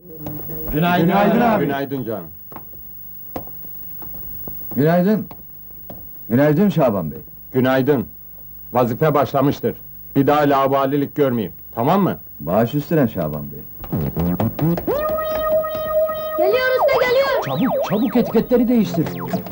Günaydın, Günaydın abi. Günaydın canım. Günaydın. Günaydın Şaban Bey. Günaydın. Vazife başlamıştır. Bir daha laubalilik görmeyeyim. Tamam mı? Baş üstüne Şaban Bey. Geliyor usta geliyor. Çabuk, çabuk etiketleri değiştir.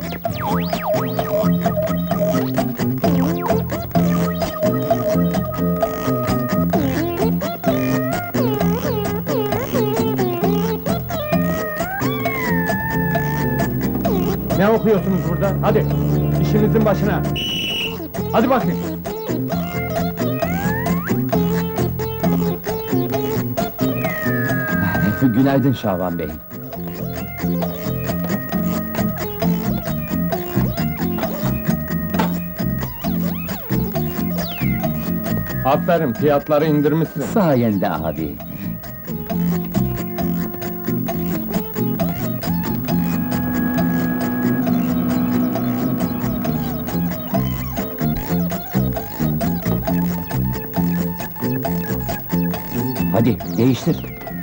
Ne okuyorsunuz burada? Hadi, işinizin başına. Hadi bakayım. Günaydın Şaban Bey. Aferin, fiyatları indirmişsin. Sayende abi. Hadi değiştir.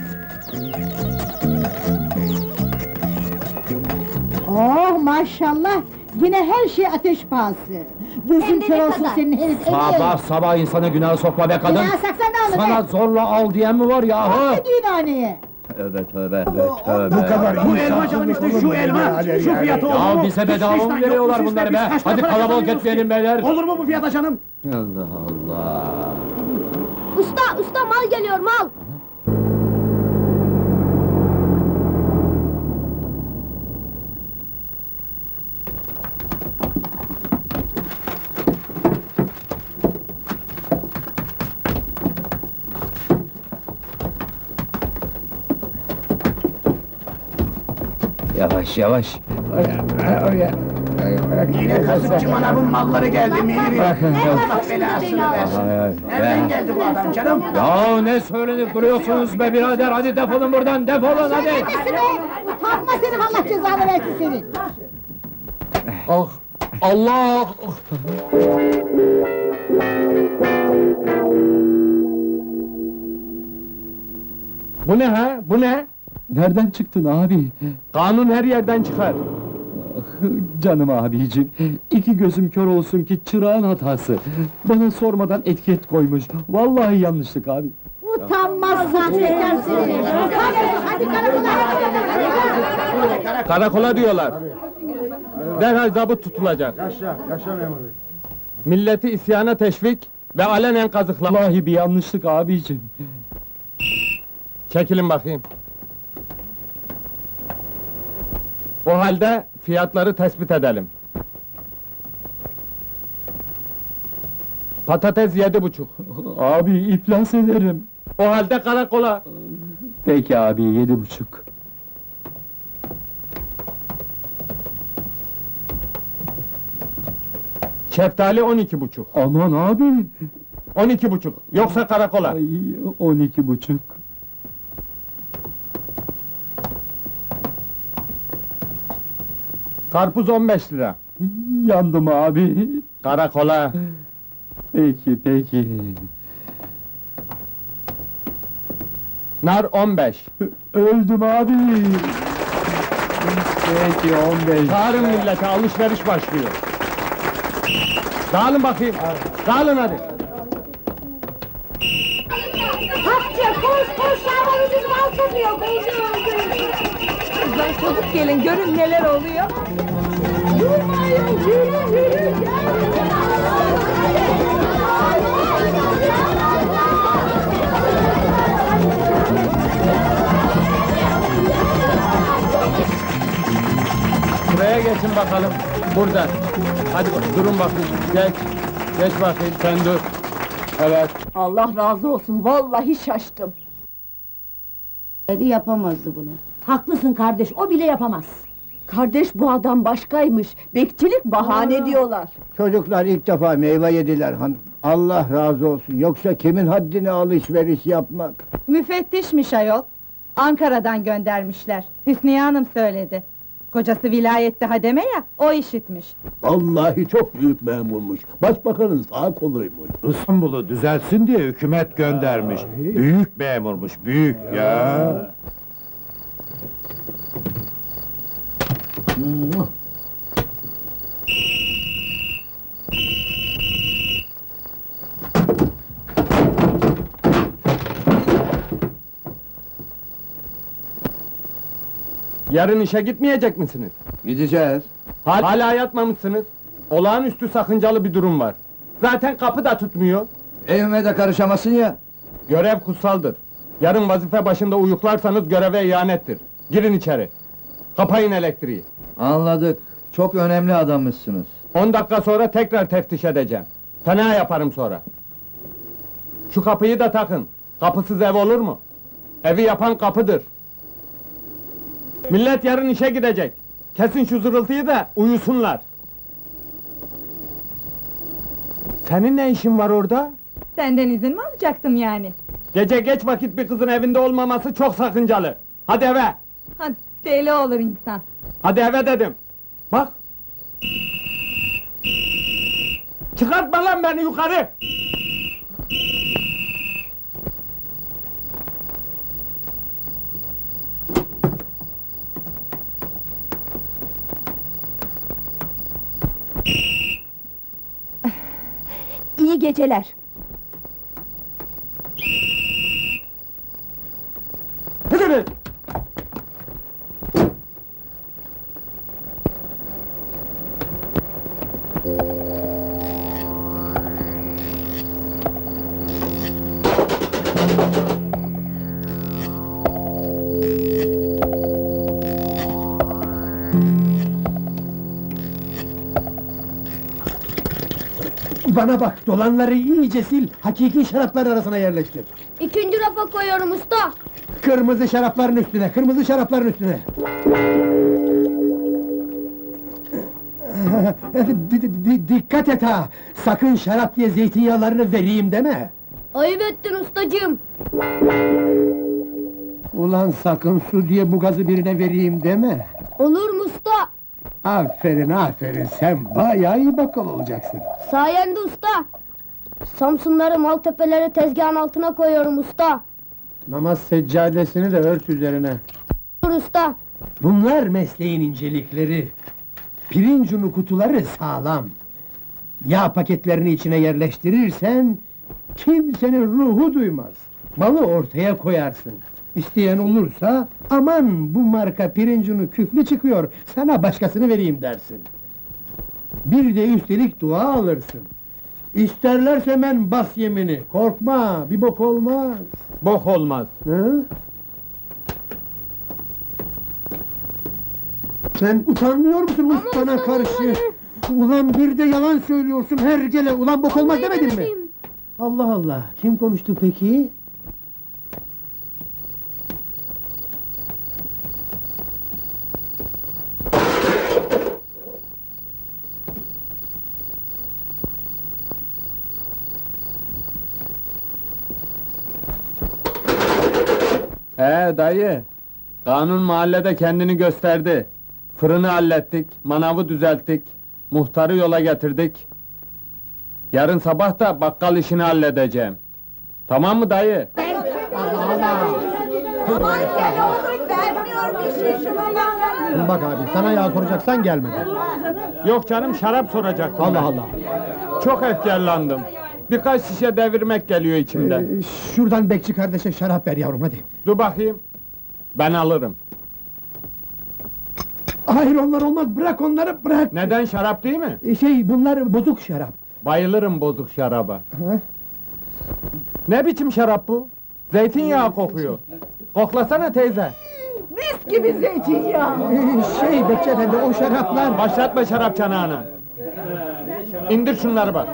Oh maşallah! Yine her şey ateş pahası! Hem Gözün de kör ne olsun kadar? senin herif! Sabah sabah insana günah sokma be kadın. Günah saksan ne olur Sana be? zorla al diyen mi var yahu? Ne düğünhaneye? Tövbe tövbe tövbe. Bu kadar bu elma canım işte şu elma, şu fiyatı olur mu? Ya bize bedava Hiç mı vicdan veriyorlar yok mu bunları sizde? be? Biz kaç Hadi para kalabalık kazanıyoruz etmeyelim ki? beyler. Olur mu bu fiyata canım? Allah Allah. Usta mal geliyor mal. Yavaş yavaş. Yine kasıpçı manavın malları geldi Mihri. Allah belasını versin. Nereden geldi bu adam canım? Ya ne söylenip duruyorsunuz be birader? Hadi defolun buradan, defolun hadi! Nesi be? Utanma senin, Allah cezanı versin senin! Ah, Allah! Bu ne ha? Bu ne? Nereden çıktın abi? Kanun her yerden çıkar. Canım abicim, iki gözüm kör olsun ki çırağın hatası. Bana sormadan etiket koymuş. Vallahi yanlışlık abi. Utanmaz sahtekar seni! Hadi karakola, hadi! Karakola diyorlar. Derhal zabıt tutulacak. Yaşa memur bey. Milleti isyana teşvik ve alenen kazıklama. Vallahi bir yanlışlık abicim. Çekilin bakayım. O halde fiyatları tespit edelim. Patates 7,5. Abi iflas ederim. O halde karakola. Peki abi, 7,5. Şeftali 12,5. Aman abi! 12,5. Yoksa karakola. Ay, 12,5. Karpuz 15 lira. Yandım abi. Karakola. Peki, peki. Nar 15. Öldüm abi. Peki, 15. Çağırın millete, alışveriş başlıyor. Dağılın bakayım. Dağılın hadi. Hapça koş Şaban ucuz mal satıyor. Kızlar çabuk gelin, görün neler oluyor. Durmayın yürü. Buraya geçin bakalım. Burada. Hadi durun bakayım. Geç bakayım, sen dur. Evet. Allah razı olsun, vallahi şaştım. Yapamazdı bunu. Haklısın kardeş, o bile yapamaz. Kardeş bu adam başkaymış, bekçilik bahane diyorlar. Çocuklar ilk defa meyve yediler hanım. Allah razı olsun. Yoksa kimin haddine alışveriş yapmak? Müfettişmiş ayol. Ankara'dan göndermişler. Hüsniye Hanım söyledi. Kocası vilayette hademe ya, o işitmiş. Vallahi çok büyük memurmuş. Başbakanın sağ koluymuş. Yarın işe gitmeyecek misiniz? Gideceğiz. Hala yatmamışsınız. Olağanüstü sakıncalı bir durum var. Zaten kapı da tutmuyor. Evime de karışamasın ya. Görev kutsaldır. Yarın vazife başında uyuklarsanız göreve ihanettir. Girin içeri. Kapayın elektriği. Anladık. Çok önemli adammışsınız. 10 dakika sonra tekrar teftiş edeceğim. Fena yaparım sonra. Şu kapıyı da takın. Kapısız ev olur mu? Evi yapan kapıdır. Millet yarın işe gidecek. Kesin şu zırıltıyı da uyusunlar. Senin ne işin var orada? Senden izin mi alacaktım yani? Gece geç vakit bir kızın evinde olmaması çok sakıncalı. Hadi eve! Ha, deli olur insan. Hadi eve dedim! Bak! Çıkartma lan beni yukarı! İyi geceler. Hadi! Bana bak, dolanları iyice sil, hakiki şaraplar arasına yerleştir. İkinci rafa koyuyorum usta. Kırmızı şarapların üstüne, kırmızı şarapların üstüne. Dikkat et ha! Sakın şarap diye zeytinyağlarını vereyim deme! Ayıp ettin ustacığım. Ulan sakın su diye bu gazı birine vereyim deme! Olur mu usta? Aferin, aferin, sen bayağı iyi bakkal olacaksın. Sayende usta. Samsunları, Maltepeleri tezgahın altına koyuyorum usta. Namaz seccadesini de ört üzerine. Dur usta. Bunlar mesleğin incelikleri. Pirinç unu kutuları sağlam. Yağ paketlerini içine yerleştirirsen kimsenin ruhu duymaz. Malı ortaya koyarsın. İsteyen olursa aman bu marka pirinç unu küflü çıkıyor, sana başkasını vereyim dersin. Bir de üstelik dua alırsın. İsterlerse ben bas yemini, korkma, bir bok olmaz. Bok olmaz. Hı? Sen utanmıyor musun ustana karşı? Ulan bir de yalan söylüyorsun her gele, ulan bok olmaz demedin mi? Allah Allah, kim konuştu peki? Dayı, kanun mahallede kendini gösterdi. Fırını hallettik, manavı düzelttik, muhtarı yola getirdik. Yarın sabah da bakkal işini halledeceğim. Tamam mı dayı? Bak abi, sana yağ soracaksan gelmedi. Yok canım, şarap soracaktım Allah ben. Allah. Çok efkarlandım. Birkaç şişe devirmek geliyor içimden. Şuradan bekçi kardeşe şarap ver yavrum, hadi. Dur bakayım. Ben alırım. Hayır, onlar olmaz, bırak onları, bırak! Neden, şarap değil mi? Bunlar bozuk şarap. Bayılırım bozuk şaraba. Ha? Ne biçim şarap bu? Zeytinyağı kokuyor. Koklasana teyze. Mis gibi zeytinyağı. Bekçi efendi, o şaraplar... Başlatma şarap çanağını. İndir şunları bak.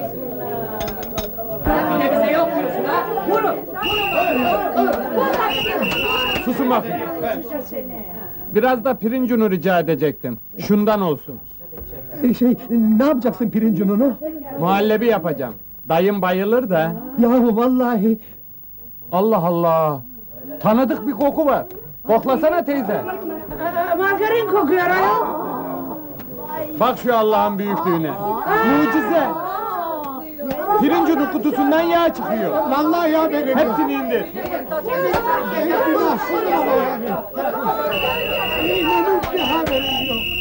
Susun bakın. Biraz da pirinç unu rica edecektim. Şundan olsun. Ne yapacaksın pirinç ununu? Muhallebi yapacağım. Dayım bayılır da. Yahu vallahi... Allah Allah! Tanıdık bir koku var. Koklasana teyze. Margarin kokuyor ayol. Bak şu Allah'ın büyüklüğüne. Mucize! Pirinç unu kutusundan yağ çıkıyor. Vallahi ya benim. Hepsini indir. Benim bir haberim yok.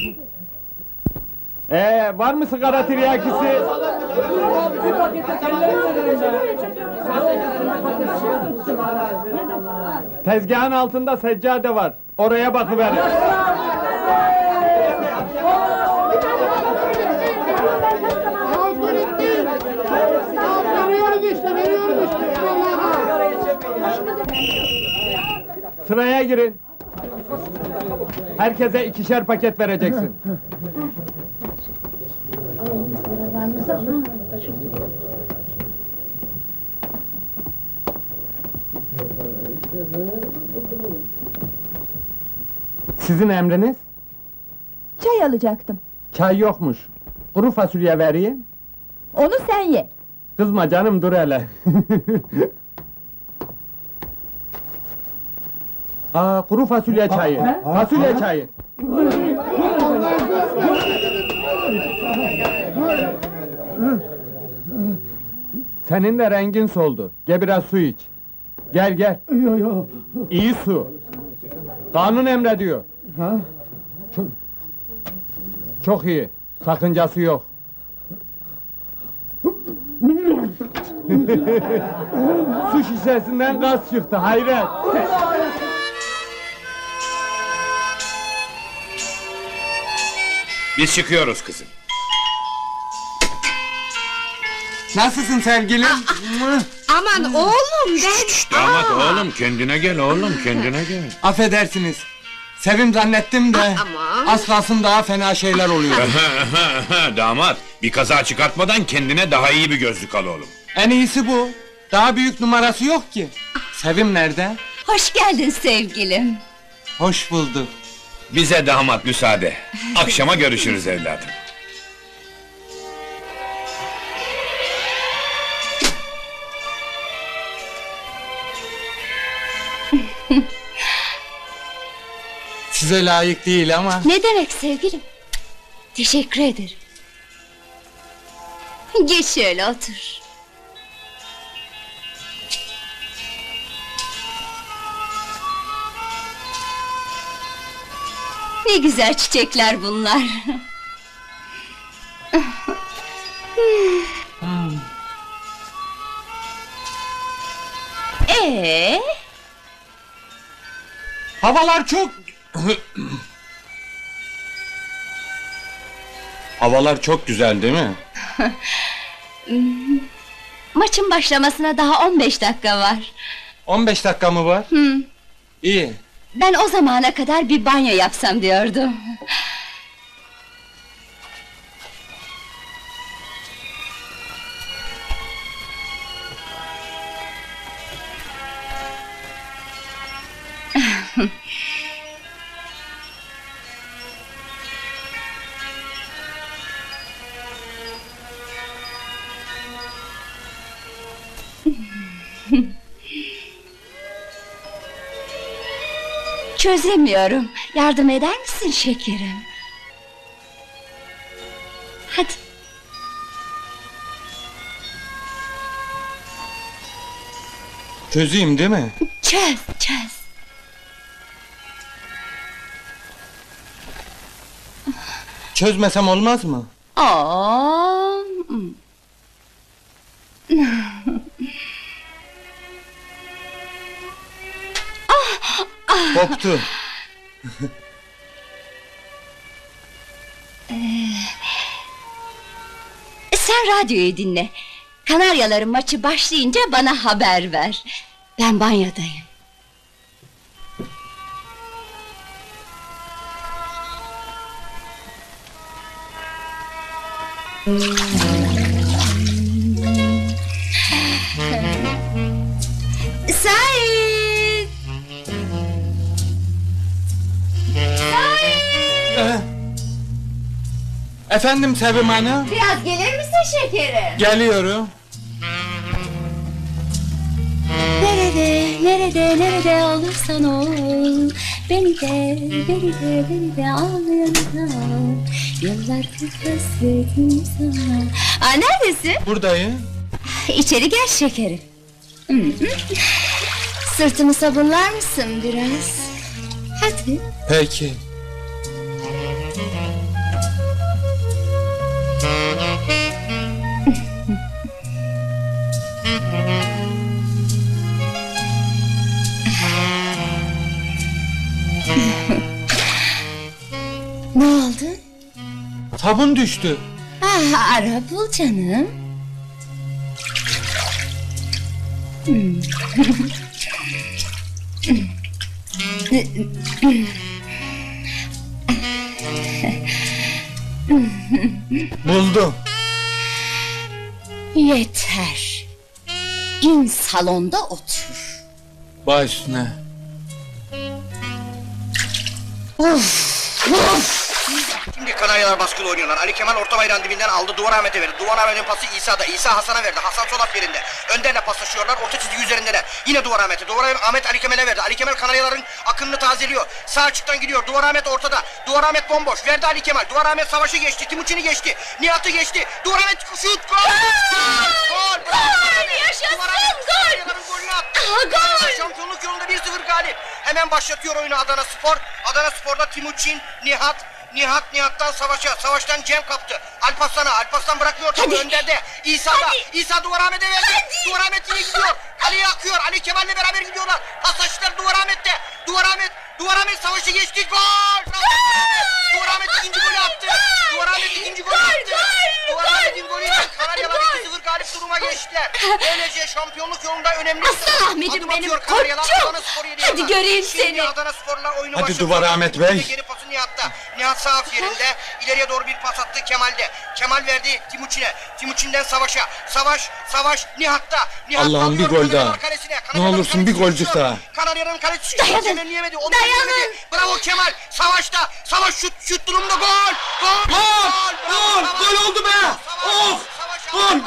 Var mı sigara tiryakisi? Tezgahın altında seccade var. Oraya bakıverin. Sıraya girin. Herkese 2'şer paket vereceksin. Sizin emriniz? Çay alacaktım. Çay yokmuş. Kuru fasulye vereyim. Onu sen ye. Kızma canım, dur hele. Kuru fasulye çayı. Fasulye çayı. Senin de rengin soldu. Gel biraz su iç. Gel gel. İyi su. Kanun emrediyor. Çok iyi. Sakıncası yok. Su şişesinden gaz çıktı, hayret! Biz çıkıyoruz kızım. Nasılsın sevgilim? Aman oğlum ben... Damat oğlum, kendine gel oğlum, kendine gel. Affedersiniz. Sevim zannettim de... Aman. Az kalsın daha fena şeyler oluyor. Damat, bir kaza çıkartmadan kendine daha iyi bir gözlük al oğlum. En iyisi bu. Daha büyük numarası yok ki. Sevim nerede? Hoş geldin sevgilim. Hoş bulduk. Bize damat müsaade. Akşama görüşürüz evladım. Size layık değil ama... Ne demek sevgilim? Teşekkür ederim. Geç şöyle otur. Ne güzel çiçekler bunlar. Havalar çok... Havalar çok güzel değil mi? Maçın başlamasına daha 15 dakika var. 15 dakika mı var? İyi. Ben o zamana kadar bir banyo yapsam diyordum. Çözemiyorum. Yardım eder misin şekerim? Hadi. Çözeyim değil mi? Çöz, çöz. Çözmesem olmaz mı? Oo. Koptu. Sen radyoyu dinle. Kanaryaların maçı başlayınca bana haber ver. Ben banyodayım. Sait! Efendim Sevim Hanım? Biraz gelir misin şekerim? Geliyorum. Nerede olursan ol. Beni de al yanına. Yıllardır hasretim sana. Neredesin? Buradayım. İçeri gel şekerim. Sırtımı sabunlar mısın biraz? Hadi. Peki. Ne oldu? Sabun düştü. Ah, ara bul canım. Buldum. Yeter. İn salonda otur. Baş üstüne. Şimdi Kanaryalar baskılı oynuyorlar. Ali Kemal orta bayrağın dibinden aldı. Duvar Ahmet'e verdi. Duvar Ahmet'in pası İsa'da. İsa Hasan'a verdi. Hasan sol yerinde. Önderle paslaşıyorlar. Orta çizgi üzerindeler. Yine Duvar Ahmet'e. Duvar Ahmet Ali Kemal'e verdi. Ali Kemal Kanaryaların akınını tazeliyor. Sağ açıktan gidiyor. Duvar Ahmet ortada. Duvar Ahmet bomboş. Verdi Ali Kemal. Duvar Ahmet savaşı geçti. Timuçin'i geçti. Nihat'ı geçti. Duvar Ahmet şut. Gol! Gol! Gol! Yaşasın, Duvar Ahmet gol! Kanaryaların golünü attı. Gol! Şampiyonluk yolunda 1-0 galip. Hemen başlatıyor oyunu Adana Spor. Adana Spor'da Timuçin, Nihat'tan Savaş'a, Savaş'tan Cem kaptı. Alparslan'a, Alparslan bırakmıyor topu önderde. İsa'da, İsa Duvar Ahmet'e verdi. Duvar Ahmet yine gidiyor. Ali'ye akıyor. Ali Kemal'le beraber gidiyorlar. Paslaştılar Duvar Ahmet'te. Duvar Ahmet Savaş'ı geçti. Gol! Duvar Ahmet ikinci golü attı. Duvar Ahmet ikinci golü attı. Duvar Ahmet'in golüyle Kanaryalar 2-0 galip duruma geçtiler. Böylece şampiyonluk yolunda önemli. Aslan Ahmet'im benim koçum. Hadi göreyim seni. Adana Spor'la oyunu Hadi başlatıyor. Duvar Ahmet Bey. Geri pası Nihat'ta. Nihat sağ yerinde. İleriye doğru bir pas attı Kemal'de. Kemal verdi Timuçin'e. Timuçin'den Savaş'a. Savaş Nihat'ta. Nihat Allah'ım, alıyor bir gol Kanaryalar daha. kalesine. Ne Kanaryaların olursun, bir kalesi golcük düşüyor. daha. Kanaryaların kalesi Dayanın. çevirleyemedi. Onu Dayanın. çeviremedi. Bravo Kemal. Savaş'ta. Savaş şut durumda gol. Gol oldu be! Of! Gol!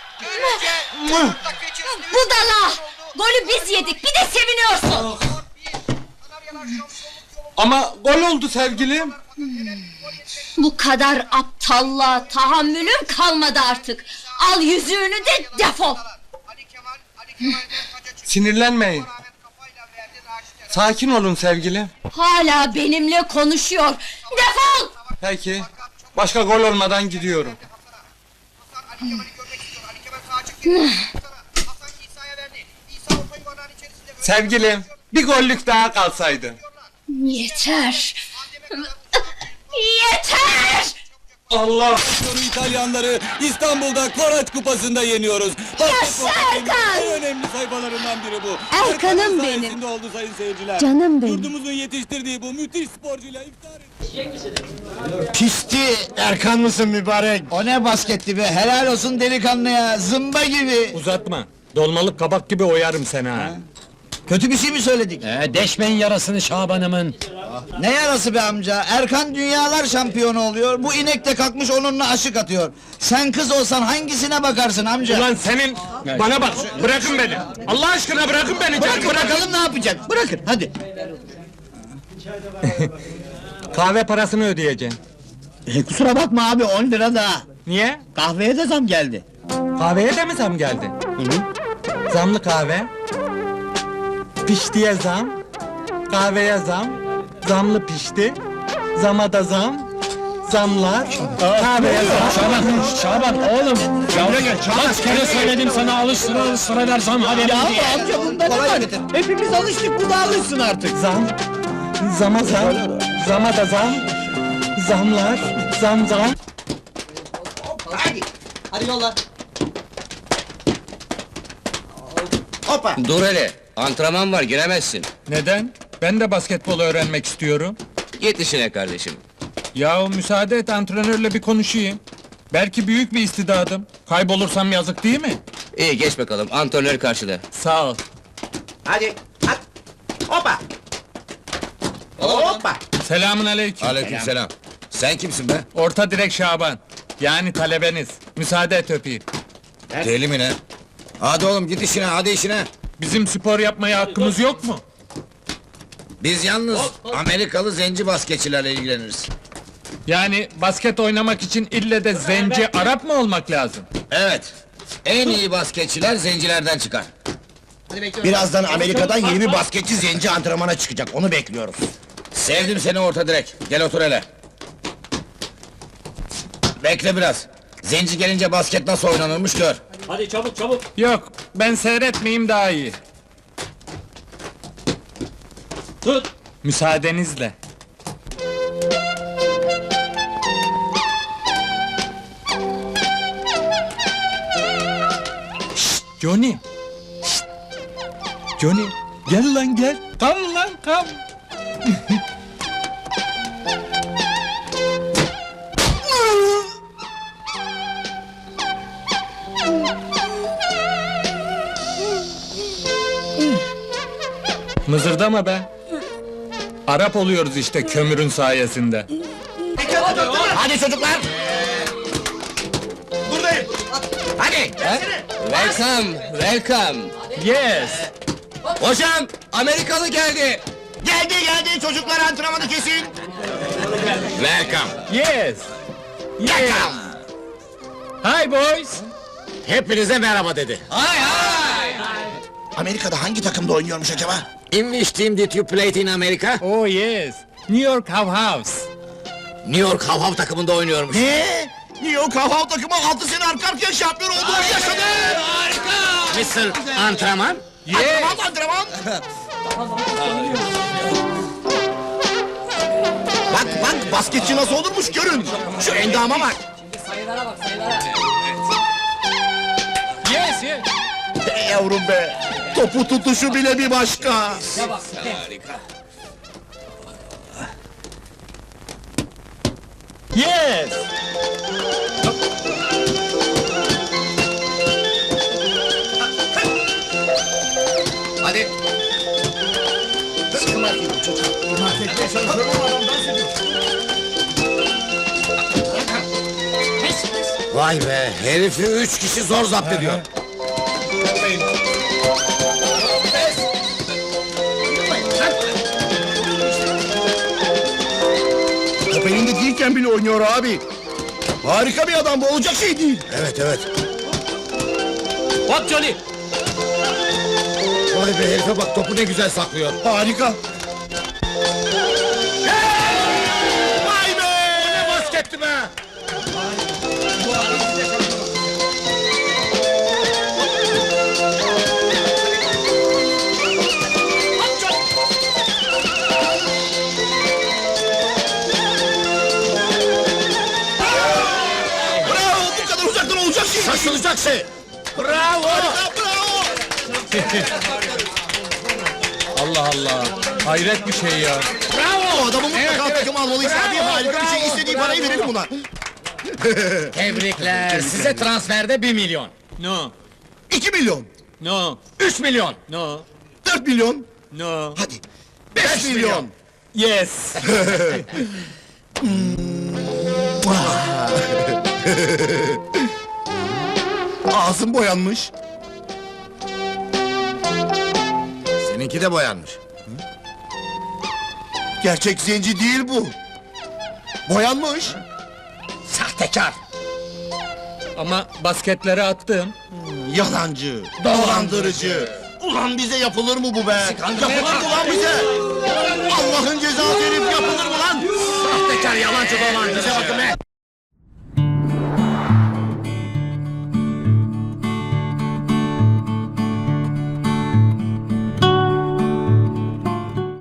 Budala! Golü biz yedik, bir de seviniyorsun. Ama gol oldu sevgilim. Bu kadar aptallığa tahammülüm kalmadı artık. Al yüzüğünü de defol. Sinirlenmeyin. Sakin olun sevgilim. Hala benimle konuşuyor. Defol! Peki. Başka gol olmadan gidiyorum. Sevgilim, bir gollük daha kalsaydı. Yeter! Yeter! Allah! İtalyanları İstanbul'da Koraç Kupası'nda yeniyoruz. Yaşa Erkan! En önemli sayfalarından biri bu. Erkan'ım Erkan'ın benim. sayesinde oldu sayın seyirciler. Canım benim. Yurdumuzun yetiştirdiği bu müthiş sporcuyla iftar ettik. Pisti Erkan mısın mübarek? O ne basketti be, helal olsun delikanlı ya, zımba gibi. Uzatma. Dolmalık kabak gibi oyarım seni ha. Kötü bir şey mi söyledik? Deşmeyin yarasını Şaban'ımın. Ne yarası be amca, Erkan dünyalar şampiyonu oluyor, bu inek de kalkmış onunla aşık atıyor. Sen kız olsan hangisine bakarsın amca? Ulan senin... Bana bak, bırakın beni! Allah aşkına bırakın beni! Bırakın bırakın! bakalım ne yapacak, bırakın hadi. Kahve parasını ödeyeceğim. Kusura bakma abi, 10 lira daha. Niye? Kahveye de zam geldi. Kahveye de mi zam geldi? Zamlı kahve. Piştiye zam. Kahveye zam. Zamlı pişti. Zama da zam. Zamlar. Kahveye zam. Şaban oğlum. Yavru gel. Kaç kere söyledim sana alıştıra ver zam haberini diye. Amca bunda ne var? Hepimiz alıştık, bu da alışsın artık. Zam. Zama zam. Zama da zam. Zamlar. Zam. Hadi yolla. Dur hele, antrenman var giremezsin. Neden? Ben de basketbol öğrenmek istiyorum. Git işine kardeşim. Yahu müsaade et, antrenörle bir konuşayım. Belki büyük bir istidadım. Kaybolursam yazık değil mi? İyi geç bakalım, antrenör karşıda. Sağ ol. Hadi. Hoppa. Hoppa. Selamun aleyküm. Aleykümselam. Sen kimsin be? Orta direk Şaban. Yani talebeniz. Müsaade et öpeyim. Deli mi ne? Hadi oğlum git işine, hadi işine. Bizim spor yapmaya hakkımız yok mu? Biz yalnız Amerikalı zenci basketçilerle ilgileniriz. Yani basket oynamak için ille de zenci Arap mı olmak lazım? Evet. En iyi basketçiler zencilerden çıkar. Birazdan Amerika'dan yeni bir basketçi zenci antrenmana çıkacak, onu bekliyoruz. Sevdim seni orta direk. Gel otur hele. Bekle biraz. Zenci gelince basket nasıl oynanırmış gör. Yok, ben seyretmeyeyim daha iyi. Müsaadenizle. Şşt, Johnny! Şşt! Johnny, gel lan gel! Kam lan kam! Mızırdama be! Arap oluyoruz işte kömürün sayesinde. Hadi çocuklar! Buradayım. Hadi! Welcome, welcome. Yes! Hocam, Amerikalı geldi! Geldi çocuklar antrenmanı kesin. Welcome! Yes! Yes! Hi boys! Hepinize merhaba dedi. Amerika'da hangi takımda oynuyormuş acaba? In which team did you play in America? Oh yes! New York How House! New York Hav takımında oynuyormuş. Ne? New York Hava takımı 6 sene arka arkaya şampiyon olduğunu yaşadı. Mr. Antrenman? Yes! Antrenman. Bak basketçi nasıl olurmuş görün. Şu endama bak. Yes, yes! Be yavrum be. Topu tutuşu bile bir başka. Yes! Hadi. Vay be, herifi 3 kişi zor zapt ediyor. Top elinde değilken bile oynuyor abi. Harika bir adam bu, olacak şey değil. Evet. Bak Johnny! Vay be, herife bak, topu ne güzel saklıyor. Harika. Vay be! Ne basketti be! Bravo, bu kadar uzaktan olacak şey. Şaşılacak şey! Bravo! Bravo. Allah Allah! Hayret bir şey ya! O adamı mutlaka takım almalıyız abi. Harika bir şey, istediği parayı verelim buna. Tebrikler, size transferde 1 milyon. No! 2 milyon. No! 3 milyon. No! 4 milyon. No! Hadi. 5 milyon. Yes! Ağzım boyanmış. Seninki de boyanmış. Gerçek zenci değil bu. Boyanmış. Sahtekar! Ama basketleri attım. Yalancı, dolandırıcı. Ulan bize yapılır mı bu be? Yapılır mı lan bize? Allah'ın cezası herif, yapılır mı lan? Sahtekar, yalancı, dolandırıcı! Bize bakın be.